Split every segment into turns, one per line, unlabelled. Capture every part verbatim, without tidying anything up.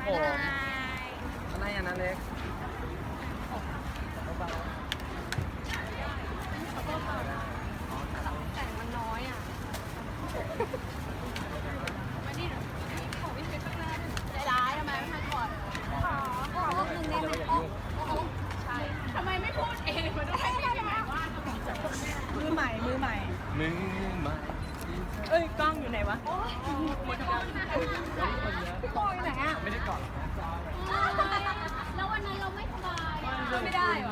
ผมอะไรอ่ะนะเล็ก
แต่มันน้อยอ่ะมาดิขอวิ่งไปข้างหน้าใจร้ายทำไมไม่มาก่อนขอขอรูปหนึ่งได้ไหมโอ้โหใช่ทำไมไม่พูดเองมันต้องให้ใครมาว่ามือใหม่มือใหม่
มือใหม่
เอ้ยกล้องอยู่ไหนวะหมดกล้องกล้องอยู่ไหนอ่ะ
ไม่ได้กอด
แล้ววันนั้นเราไม่สบายไม่ได้หรอ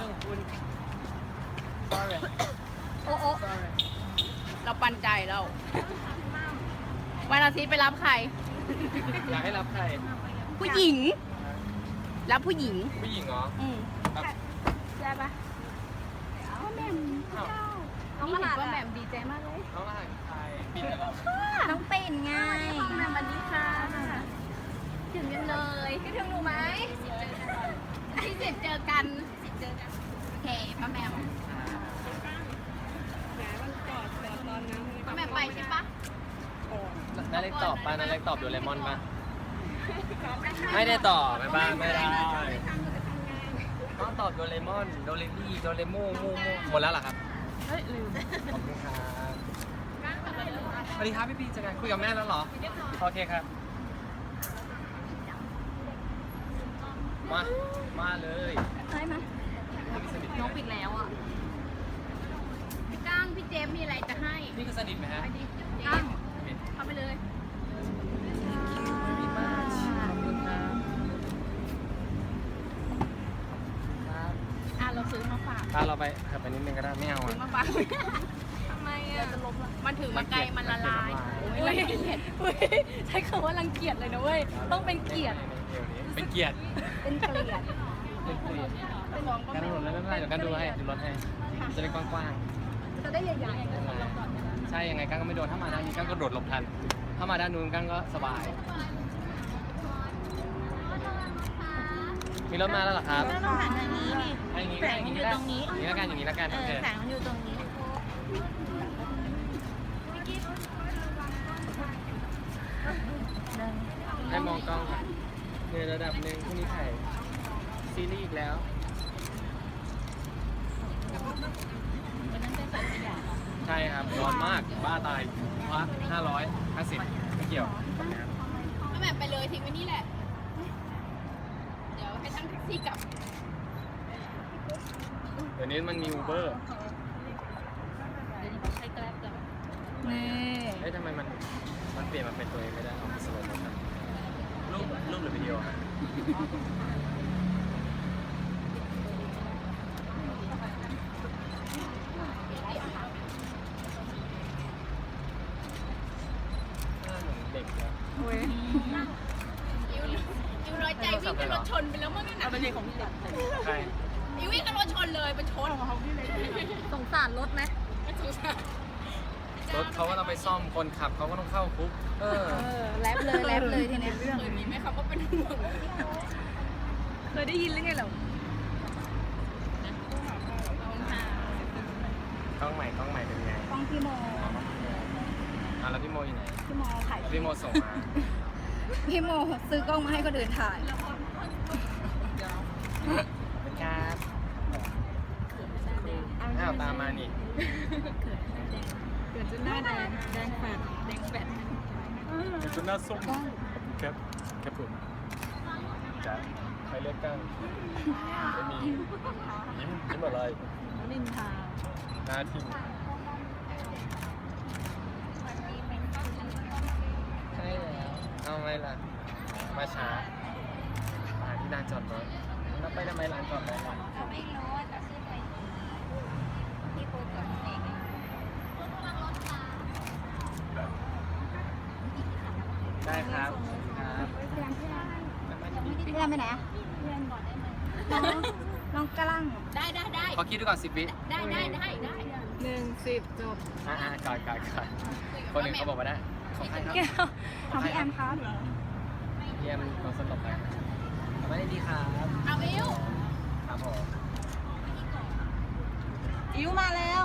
sorry
โอ้โอ้เราปันใจเราวันอาทิตย์ไปรับใคร
อยากให้รับใคร
ผู้หญิง รับผู้หญิง
ผู้หญิงเหรอ
อืม
ครับ
ได้ปะพ่อแม่เจ้าน้องมาหาว่าแหม่มดีใจมากเลย
น้องรหัสใครปิดเหรอ
น้องเป็นไงแม่มวันนี้ค่ะถึงกันเลยคิดถึงหนูไหมที่เสร็จเจอกันเจอกันโอเคป้าแหม่มป้าแหม่มไปใช่ปะ
นาเล็กตอบป่ะนาเล็กตอบโดเรมอนป่ะไม่ได้ตอบไม่บ้างไม่ได้ต้องตอบโดเรมอนโดเรมี่โดเรโม่มูมูหมดแล้วเหรอครับเฮ้ยลืมขอบคุณครับสวัสดีครับพี่ปีจะไงคุยกับแม่แล้วเหรอโอเคครับมามาเลย
ได้ไหมน้องปิดแล้วอ่ะพี่ก้างพี่เจมมีอะไรจะให้
นี่คือสนิทไหมฮะ
ไปดิก้างเข้าไปเลย
ดีมากขอบคุณครับครับ
อ่ะเราซื้อมาฝาก
ถ้าเราไปขับไปนิดนึงก็ได้ไม่เอา
ซื้อ
อ่ะ
มาฝากทำไมอ่ะมันถือมาไกลมันละลายโอ้ยรังเกียจใช้คำว่ารังเกียจเลยนะเว้ยต้องเป็นเกียรติ
เป็นเกียรติ
เป็นเกลียด
เป็นเกียรติ
เป็นของก็
การ
ไม่
ถนนแล้วไม่เป็นไรเดี๋ยวกันดูให้ดูรถให้จะได้กว้าง
จะได้ใหญ่
ๆไม่เป็นไรใช่ยังไงกั้งก็ไม่โดนถ้ามาด้านนี้กั้งก็โดดหลบทันถ้ามาด้านนู้นกั้งก็สบายมีรถมาแล้วเหรอครับ
ๆต้องหันทางนี้นี่
ให้อย่างนี้
แส
ให้
ง
อย่าง
มัน
นี้
อยู่
ได้
ตรงนี้
อย่างนี้แล้วกันอย่างนี้แล้วกัน
เอ
โอ
อ
เค
แสงมันอยู่ตรงนี้
ให้มองกล้องในระดับหนึ่งพรุ่งนี้ถ่ายซีรีส์อีกแล้วใช่ครับร้อนมากบ้าตายพักห้าร้อยห้าสิบไม่เกี่ยว
ก็แบบไปเลยทิ้งไว้นี่แหละ เดี๋ยวให้ช่างแท็กซี่กลับ
เดี๋ยวนี้มันมีอูเบอร์
ใช้แกร็บกันนี่
เฮ้ยทำไมมันมันเปลี่ยนมาเป็นตัวเองไม่ได้เอาสโลว์โมชั่นรูปรูปหรือวิดีโอฮะหน้าเหมือนเด็กเลย
โอ้ยอิวอิวน้อยใจวิ่งกับรถชนไปแล้วมั้งนั่นน่ะเป็นเด็กของพี่เด็ก
ใคร
อิววิ่งกับรถชนเลยเป็นชนของเขาพี่เลยสงสารรถไหมสงสาร
รถเขาก็ต้องไปซ่อมคนขับเขาก็ต้องเข้าคุกเออ
เออแลบเลยแลบเลยทีนี้เคยมีไหมครับว่าเป็นห่วงเคยได้ยินหรือไงเหรอก
ล้องใหม่กล้องใหม่เป็นไง
กล้องพี่โม
อ่ะแล้วพี่โมอยู่ไหน
พี่โมถ่าย
พี่โมส่งมา
พี่โมซื้อกล้องมาให้ก็เดินถ่าย
เป็นครับอ้าวตามมานี่
เกิดจนหน้าแดงแดงแฟดแดงแฟด
เป็นจนหน้าส้มครับครับผมจ้ะใครเลือกกั้งไม่มียิ้มยิ้มอะไร
นินทา
หน้าทิ่มใช่แล้วเอาไงล่ะมาช้ามาที่ลานจอดรถแล้วไปทำไมลานจอดรถล่ะ
เราไม่รู้ว่าจะขึ้นไปที่ปูก่อนเอง
ได้ครับครับ
พี่แรมไปไหนอ่ะน้องน้องกระลังได้ได้ได้
ขอคิดดูก่อนสิบวิ
ได้ได้ได้ได้หนึ่งสิบจบ
อ่าๆก่อนก่อนก่อนคนหนึ่งเขาบอกว่าได้ของใครครับ
แก้วของพี่แอมครับ
เยี่ยมลองสต็อปไปทำไมได้ดีครับ
เอาวิว
ครับผม
อิวมาแล้ว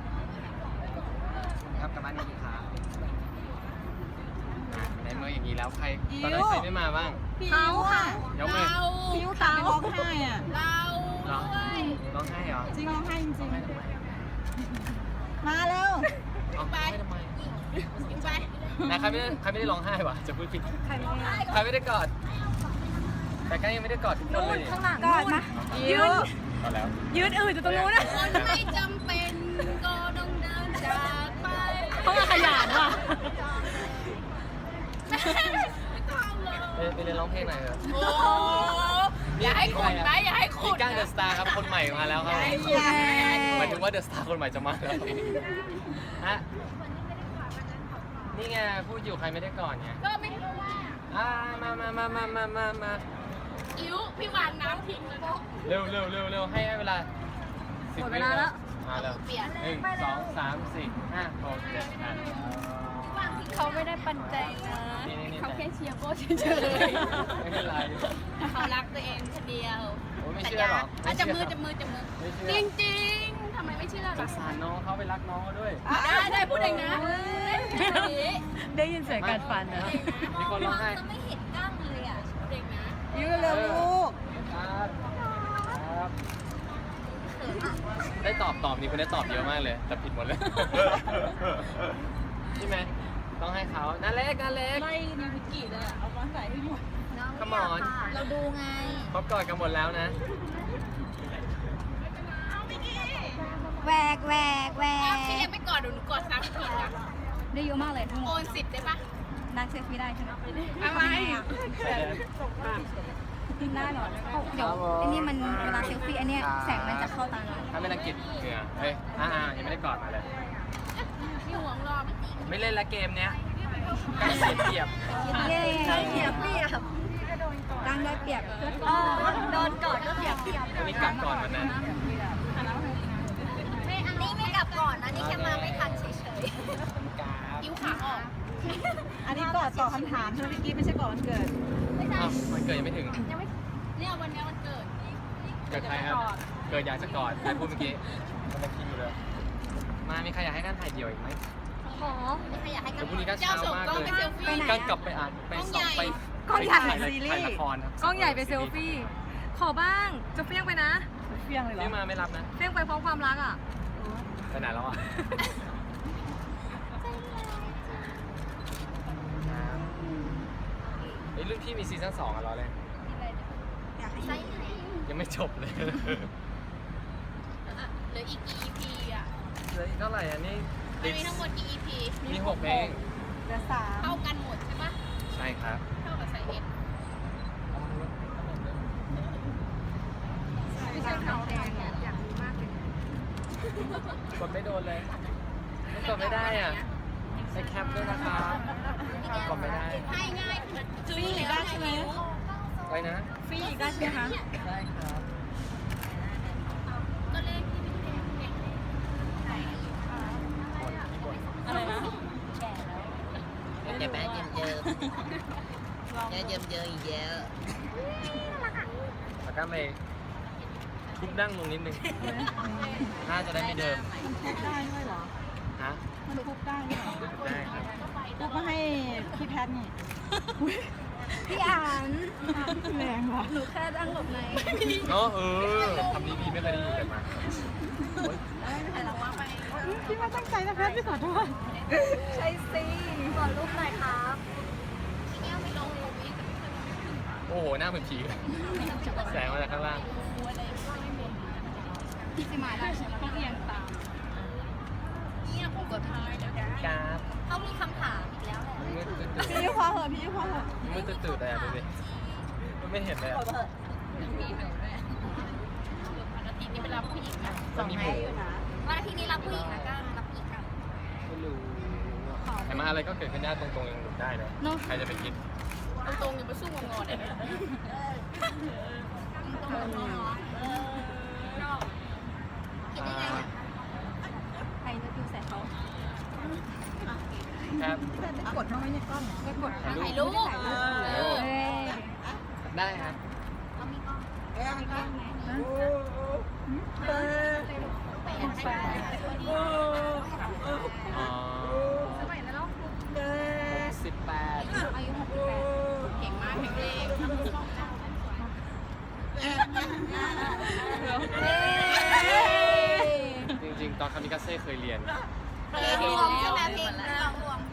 ครับกลับบ้านดีครับอ่ะในเมื่ออย่างนี้แล้วใครตอนนั้นใครไม่มาบ้าง
เขาค่ะ
ยกมือ
พี่ยุตาร้องไห้อ่ะ
เรา
ร้อง
ด้วย
ร้องไห้เหรอ
จริงร้องไห้จริง
ร้องไห้ทำไม
ๆมาเร็ว
ร้องไห้ทำไม
ยิงไป
นะใครไม่ได้ใครไม่ได้ร้องไห้วะจะพูดผิด
ใครไม่ได้
ใครไม่ได้กอด แต่ก็ยังไม่ได้กอดทุกคนเลย
ข้างหลังกอดมายืน
กอดแล้ว
ยืนอื่นอยู่ตรงนู้นนะ
คนไม่จำเป็นก็ต้องเดินจากไป
เขามาขยันว่ะ
ไม่ต้องเลย
ไปไปเรียนร้องเพลงหน่อยเถอะ
โอ้อย่าให้ขุดไหมอย่าให้ขุ
พี่
ด
ก้างเดอะสตาร์ครับคนใหม่มาแล้วครับ
เย้
หมายถึงว่าเดอะสตาร์คนใหม่จะมาแล้วฮะนี่ไงพูดอยู่ใครไม่ได้ก่อนไง
ก็ไม่รู้ว่า
อ่ามามามามามามามา
อิ๋วพี่วางน้ำทิ้งแล้วก็
เร็วเร็วเร็วเร็วให้เวลาสิบวินาทีมาแล้ว
เปลี่ยน
หนึ่งสองสามสี่ห้าหกเจ็ดแปด
เขาไม่ได้ปันใจนะ
นี่นี่นี่
เขาแค่เชียร์โบ้เฉย
ไม่เป็นไร
ๆเขารักตัวเองคนเดียว
โอ้ยไม่เชื่อหรอก
อ่ะจับมือจับมือจับมือ
ไม่เชื่อ
จริงจริงๆทำไมไม่เชื่อ
ส
ล่ะ
งสารน้องเขาไปรักน้องเขาด้วย
ได้ได้พูดเองนะ
ได้ยินเสียงการฟันนะ
มีคนร้องไห้
ไม่เห็นกล้างเลยอ่ะพูดเองนะ
ยืนเร็วลูก
ครับครับได้ตอบตอบนี่คุณได้ตอบเยอะมากเลย แต่ผิดหมดเลยใช่ไหมต้องให้เขานาเล็กนาเล็ก
ไล่นิวิกิเลยเอามาใส่ให้หมด
Come on
เราดูไง
เขากอดกันหมดแล้วนะ
แหวกแหวกแหว
พี่ยังไม่กอดหนูกอดซ้ำทีอ่ะ
ได้เยอะมากเลยทั้งหม
โอ
ด
นสิบได้ปะ
นางเซลฟี่ได้ใช่ไหม
อะไร
ใช่แล้ว
ได้หรอเดี๋ยวอันนี้มันเวลาเซลฟี่อันเนี้ยแสงมันจะเข้าตาเรา
ถ้าไม่รังเกียจเหงื่อเฮ้ยอ่าๆยังไม่ได้กอดมาเลย
พี่ห่วงรอบ
ไม่เล่นละเกมเนี้ยใกล้เสียเปรียบ
เย้ได้เปรียบเปรียบดังได้เปรียบอ๋อโดนกอดก็เปรียบเปรียบ
วันนี้กลับก่อนวันนั้น
ไม่อันนี้ไม่กลับก่อนนะนี่แค่มาไม่ทันเฉย
กราบ
ๆยิ้วขาออก
อันนี้กอดตอบคำถามใช่ไหมพี่กี้ไม่ใช่กอดวันเกิด
อ้าวมันเกิดยังไม่ถึง
ยังไม่เนี่ยวันนี้วันเกิด
เกิดใครครับ เกิดอยากจะกอดใครพูดเมื่อกี้มันจะคิดอยู่เลย มามีใครอยากให้กันถ่ายเดี่ยวอีกไหม
ขอไม่ใครอยากให้กั
เดี๋ยวพรุ่งนี้ก็เช้ามากเลย
เจ้ส่งกล้องไปเซลฟี่
กันกลับไปอ่านไปสอบไป
กล้องใหญ่
ไปถ่าย
ซีรีส์
ถ่ายละครครับ
กล้องใหญ่ไปเซลฟี่ ขอบ้าง จะเฟี้ยงไปนะ
เฟี้ยงเลยเหรอ
นี่มาไม่รับนะ
เฟี้ยงไปพร้อมความรักอ่ะ
ไปไหนแล้วอ่ะไอ้ยรุ่นพี่มีซีซั่นสองอ่ะรอเลย
อยากให้
ไซส์ไหน
ยังไม่จบเลย
อ่ะเหลืออีกกี่ อี พี อ่ะ
เหลืออีกเท่าไหร่อันนี้
มันมีทั้งหมดกี่ อี พี
มีหกเพลง
เหลือสาม
เท่ากันหมดใช่ปะ
ใช่ครับ
เท่ากับไซส์เอ็ด
ไม่ใช่ขาวแดงเนี่ยอยากรู้มากเลย
กดไม่โดนเลยไม่กดไม่ได้อ่ะใช้แคปด้วยนะครับกดไม่ได้
ให้ง่าย
ฟรีอีกได้ใช่ไหม
ไปนะ
ฟรีอีกได้ใช่ไหมคะ
ได้ครับ
ก็เลขที่เป็นเลข
อะไรนะ
เจ็บไหมเยิมเยิมเยิมเยิมเยิมอีกเยอะ
แล้วก็ไปทุบดั้งลงนิดนึงน่าจะได้ไม่เดิม
มันทุบได้ด้วยเหรอ
ฮะ
มันทุบได้ด้วยเหรอ
ทุบได้ครับ
ทุบมาให้พี่แพทนี่
พี่อ่าน
แรงว่ะ
หนูแค่ดังหลบใน
เนาะเออทำดีๆไม่เคยได้ยินกันมาโอ๊ย
แต่เราว่าไป
พี่ไม่ตั้งใจนะแพทพี่ขอโทษ
ใช่สิขอรูปหน่อยครับพี่แก้วไปลงรูปนี้
โอ้โหหน้าเหมือนผีเลยแสงมาจากข้างล่าง
พี่จะมาได้ใช่ไหมต้องเอียงตามเนี่ยผมกดท้ายเดี๋ยวนะ
กราฟ
เขามีคำถามอีกแล้วแหละ
มืดตื่น
พี่ยุพอเหอะพี่ยุพอเหอะ
มืดตื่นเลยอ่ะดูดิมันไม่เห็นเลยอ่ะ
มีหนูด้วยวันอาทิตย์นี้ไปรับผู้หญิงนะ
มันมีหมู
วันอาทิตย์นี้รับผู้หญิงแล้วก็รับผู้หญิงกัน
ไม่รู้แต่มาอะไรก็เกิดขึ้นได้ตรงๆยังหลุดได้เลยใครจะไปคิด
ตรงๆยังไปสู้งงๆเลยนะตรงๆเนาะคิดได้ไงวะ
ใครจะดูใส่เขา
ครับ
ได้กดบ้างไหมเนี่ยกล้องได้กด
ถ่ายรูปเออ
เอ้ย
ได้ครับ
เอามีกล้อง
เออ
แปดให้
อ๋อ
เออ
สิบแปด
อายุหกสิบแปดเก่งมากแข็งแรง
อนคามิกาเซ่เคยเรียน
เพลงรวมใช่ไหมเพลงลองรวม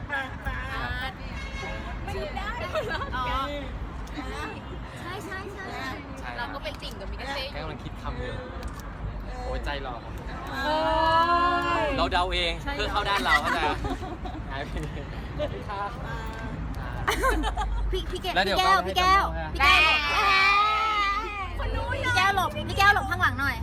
ไม่ได้อ๋อใช่ใช่ใช่
ใช่
เราก็เป็นติ่งกับมิกาเซ่
แค่กำลังคิดคำอยู่โอ้ยใจหล่อครับ
โอ้ย
เราเดาเองเพื่อเข้าด้านเราเข้าใจหายไปเลย
พี่พี่แก้ว
แล้วเดี๋ยว
พี่แก้ว
ก็ให้
พี่แก้ว
จำได้
พี่แก้วหลบพี่แก้วหลบพี่แก้วหลบข้างหลังหน่อย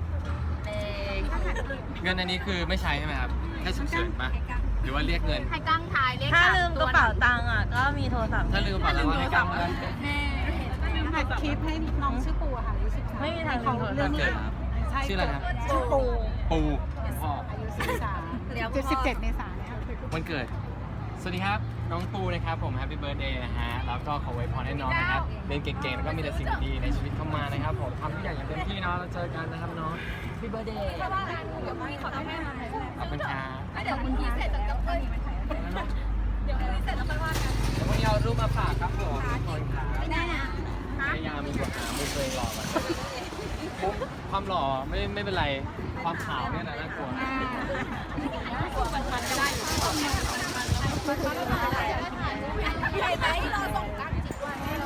เงินอันนี้คือไม่ใช้ใช่ไหมครับแค่ฉุกเฉินปะหรือว่าเรียกเงิน
ให้กั้งทายเลข
ถ้า
สาม
ลืมก
ตั
ระ
ว
เป๋าตังค์อ่ะ ก็มีโทรศัพท์
ถ้าลืมกระเป๋าตังค์ให้กำแล้ว
ถ่ายคลิปให้น้องชื่อปูค่ะอายุสิบไม่มีทางลืมโทรศัพท์
เกิดชื่ออะไรครับ
ชื่อปู
ปูพ่อ
เจ็ดสิบเจ็ดเมษายน
วันเกิด สวัสดีครับ น้องปูนะครับผมแฮปปี้เบิร์ดเดย์นะฮะ แล้วก็ขอไว้พรให้น้องนะครับ เรียนเก่งๆ แล้วก็มีแต่สิ่งดีๆในชีวิตเข้ามานะครับผมทำทุกอย่างอย่างเต็มที่เนาะเราเจอกันนะครับน้องแฮปปี้เบิร์ดเดย์ขอบคุณครับ
เดี๋ยวคุณพี่เสร็จจากกับเพื่อนเดี๋ยวคุณพี่เสร็จแล้วค่อยว่ากัน
เดี๋ยววันนี้เอารูปมาฝากครับผมทุกคนครับ
ไม่ได้นะ
พยายามมีบทหามุมตัวเองหล่อมาปุ๊บความหล่อไม่ไม่เป็นไร ความขาวเนี่ยนะน่ากลัว
ใช่ไหมเราส่งกั้งจิตวันให้เรา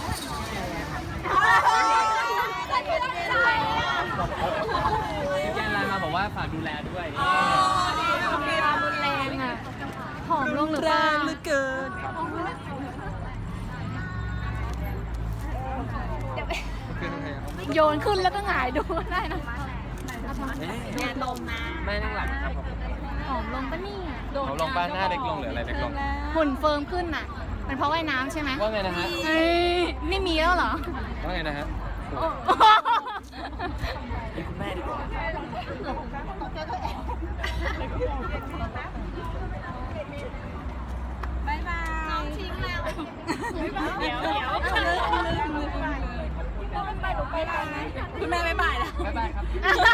แกนไลน์มาบอกว่าฝากดูแลด้วย
รุนแรงอ่ะผอมลงหรือเปล่า
เหลือเกิน
ขึ้นใครครับ
โยนขึ้นแล้วก็หงายดูได้นะ
แม่ตรงนะ
แม่นั่งหลังครับผม
ผอมลงปะเนี่ย
เขาลงบ้านหน้าเล็กลงหรืออะไรเล็กลง
หุ่นเฟิร์มขึ้นน่ะเป็นเพราะว่ายน้ำใช่ไหม
ว่าไงนะฮะ
เอ้ยนี่มีแล้วเหรอ
ว่าไงนะฮะนี่คุณแม่ดีกว่า
บายบายน้องทิ้งแล้วเดี๋ยวเดี๋ยว
คุณแม่ไม่บ่ายแล้ว
บ๊ายบายครับ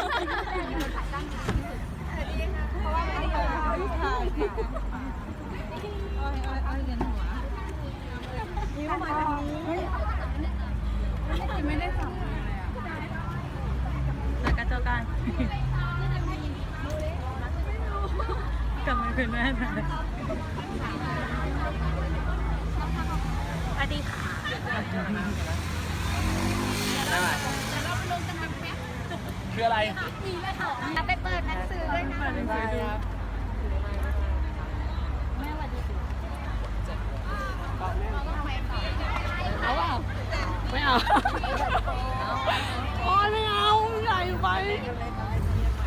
แล้วก็เจอกันกลับมาเป็นแม่นะสวัสดีค่ะ
บ๊ายบายคืออะไร
ไปเปิดหนังสือด้วยนะ
บ๊ายบายครับ
เอาเปล่าไม่เอา โอ้ยไม่เอาใหญ่ไป